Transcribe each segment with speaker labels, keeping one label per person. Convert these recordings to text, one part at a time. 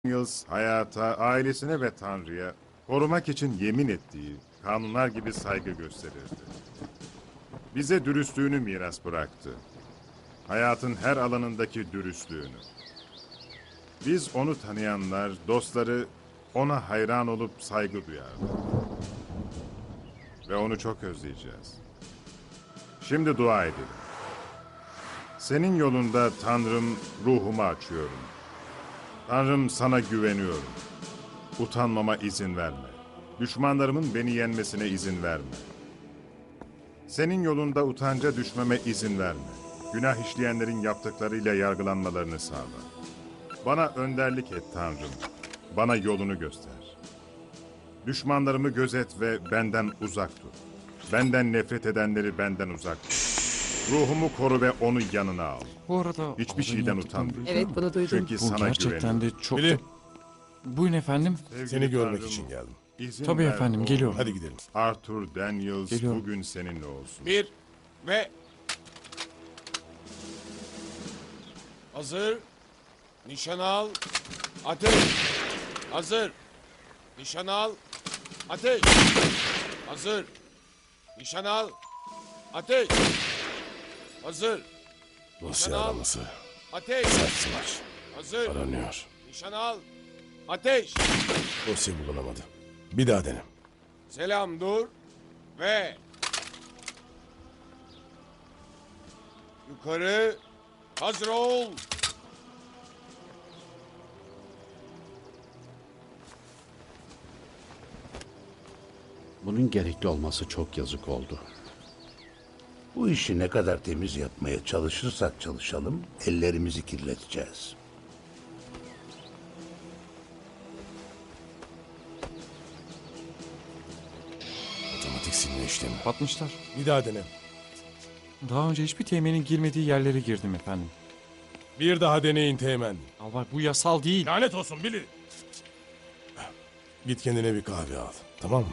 Speaker 1: Daniels hayata, ailesine ve Tanrı'ya korumak için yemin ettiği kanunlar gibi saygı gösterirdi. Bize dürüstlüğünü miras bıraktı. Hayatın her alanındaki dürüstlüğünü. Biz onu tanıyanlar, dostları ona hayran olup saygı duyardı. Ve onu çok özleyeceğiz. Şimdi dua edelim. Senin yolunda Tanrım ruhumu açıyorum. Tanrım sana güveniyorum. Utanmama izin verme. Düşmanlarımın beni yenmesine izin verme. Senin yolunda utanca düşmeme izin verme. Günah işleyenlerin yaptıklarıyla yargılanmalarını sağla. Bana önderlik et Tanrım. Bana yolunu göster. Düşmanlarımı gözet ve benden uzak tut. Benden nefret edenleri benden uzak tut. Ruhumu koru ve onu yanına al.
Speaker 2: Bu arada
Speaker 1: Hiçbir
Speaker 2: Albay'ın
Speaker 1: şeyden
Speaker 2: yaptıklarını
Speaker 1: utanma.
Speaker 2: duydun
Speaker 3: Evet,
Speaker 2: mu?
Speaker 3: bunu duydum.
Speaker 1: Çünkü
Speaker 2: Bu
Speaker 1: sana
Speaker 2: gerçekten
Speaker 1: güveniyorum.
Speaker 2: de çok...
Speaker 4: Billy,
Speaker 2: Buyurun efendim.
Speaker 1: Sevgili
Speaker 4: seni görmek
Speaker 1: Tanrım,
Speaker 4: için geldim.
Speaker 1: izin
Speaker 2: Tabii
Speaker 1: ver
Speaker 2: efendim,
Speaker 1: oğlum.
Speaker 2: geliyorum.
Speaker 4: Hadi gidelim.
Speaker 1: Arthur Daniels
Speaker 2: Geliyorum.
Speaker 1: bugün seninle olsun.
Speaker 4: Bir ve... Hazır. Nişan al. Ateş. Hazır. Nişan al. Ateş. Hazır. Nişan al. Ateş. Hazır.
Speaker 5: Dosya
Speaker 4: al.
Speaker 5: araması.
Speaker 4: Ateş.
Speaker 5: Sarsmaç.
Speaker 4: Hazır.
Speaker 5: Aranıyor.
Speaker 4: Nişan al. Ateş.
Speaker 5: Dosya bulunamadı. Bir daha dene.
Speaker 4: Selam dur. Ve... Yukarı. Hazır ol.
Speaker 6: Bunun gerekli olması çok yazık oldu.
Speaker 7: Bu işi ne kadar temiz yapmaya çalışırsak çalışalım, ellerimizi kirleteceğiz.
Speaker 5: Otomatik silme işlemi.
Speaker 2: Batmışlar.
Speaker 4: Bir daha dene.
Speaker 2: Daha önce hiçbir teğmenin girmediği yerlere girdim efendim.
Speaker 4: Bir daha deneyin Teğmen.
Speaker 2: Albay bu yasal değil.
Speaker 4: Lanet olsun Billy.
Speaker 5: Git kendine bir kahve al. Tamam mı?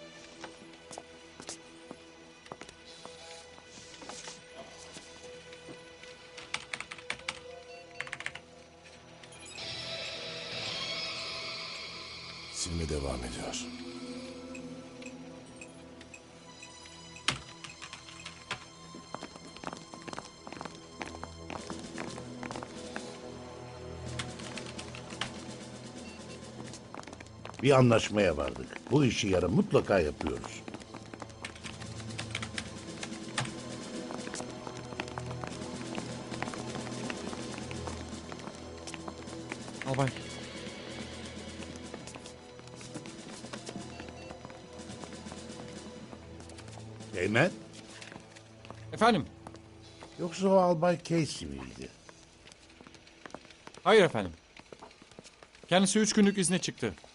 Speaker 5: Silme devam ediyor.
Speaker 7: Bir anlaşmaya vardık. Bu işi yarın mutlaka yapıyoruz.
Speaker 2: Albay.
Speaker 7: Teğmen,
Speaker 2: Efendim.
Speaker 7: yoksa o Albay Casey miydi?
Speaker 2: Hayır efendim. Kendisi 3 günlük izne çıktı.